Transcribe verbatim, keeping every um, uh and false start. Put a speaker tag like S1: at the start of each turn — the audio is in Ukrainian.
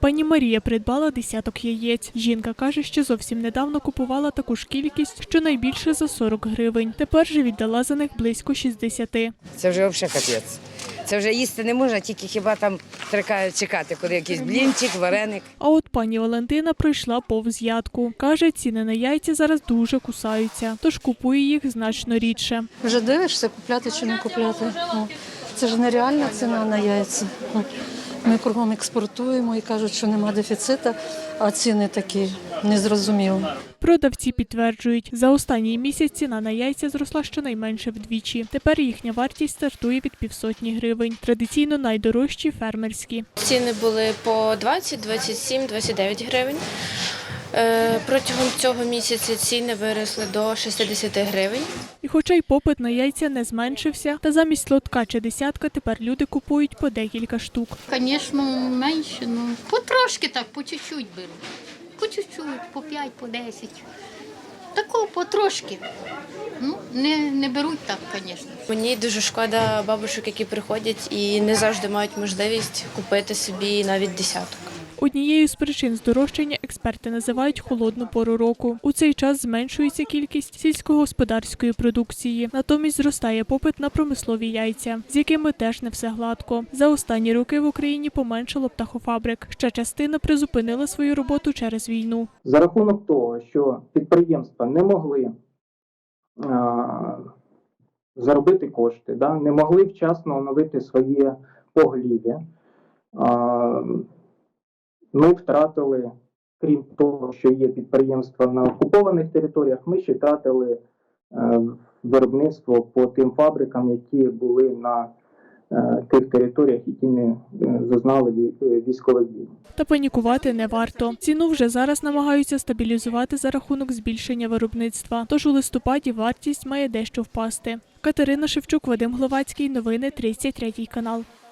S1: Пані Марія придбала десяток яєць. Жінка каже, що зовсім недавно купувала таку ж кількість, щонайбільше за сорок гривень. Тепер же віддала за них близько шістдесят.
S2: Це вже взагалі капець. Це вже їсти не можна, тільки хіба там треба чекати, коли якийсь блінчик, вареник.
S1: А от пані Валентина пройшла повз ядку. Каже, ціни на яйця зараз дуже кусаються, тож купує їх значно рідше.
S3: Вже дивишся, купляти чи не купляти. Це ж нереальна ціна на яйця. Ми кругом експортуємо і кажуть, що нема дефіциту, а ціни такі незрозумілі.
S1: Продавці підтверджують, за останній місяць ціна на яйця зросла щонайменше вдвічі. Тепер їхня вартість стартує від півсотні гривень. Традиційно найдорожчі – фермерські.
S4: Ціни були по двадцять, двадцять сім, двадцять дев'ять гривень. Протягом цього місяця ціни виросли до шістдесят гривень.
S1: І хоча й попит на яйця не зменшився, та замість лотка чи десятка тепер люди купують по декілька штук.
S5: Звісно, менше, ну потрошки так, по чуть-чуть беру. По чуть-чуть, по п'ять, по десять. Такого потрошки. Ну, не, не беруть так, звісно.
S4: Мені дуже шкода бабушок, які приходять і не завжди мають можливість купити собі навіть десяток.
S1: Однією з причин здорожчання експерти називають холодну пору року. У цей час зменшується кількість сільськогосподарської продукції. Натомість зростає попит на промислові яйця, з якими теж не все гладко. За останні роки в Україні поменшало птахофабрик. Ще частина призупинила свою роботу через війну.
S6: За рахунок того, що підприємства не могли а, заробити кошти, да, не могли вчасно оновити своє поголів'я, а, ми втратили, крім того, що є підприємства на окупованих територіях, ми ще втратили е, виробництво по тим фабрикам, які були на е, тих територіях, які не е, зазнали військових дій.
S1: Та панікувати не варто. Ціну вже зараз намагаються стабілізувати за рахунок збільшення виробництва. Тож у листопаді вартість має дещо впасти. Катерина Шевчук, Вадим Гловацький. Новини тридцять третій канал.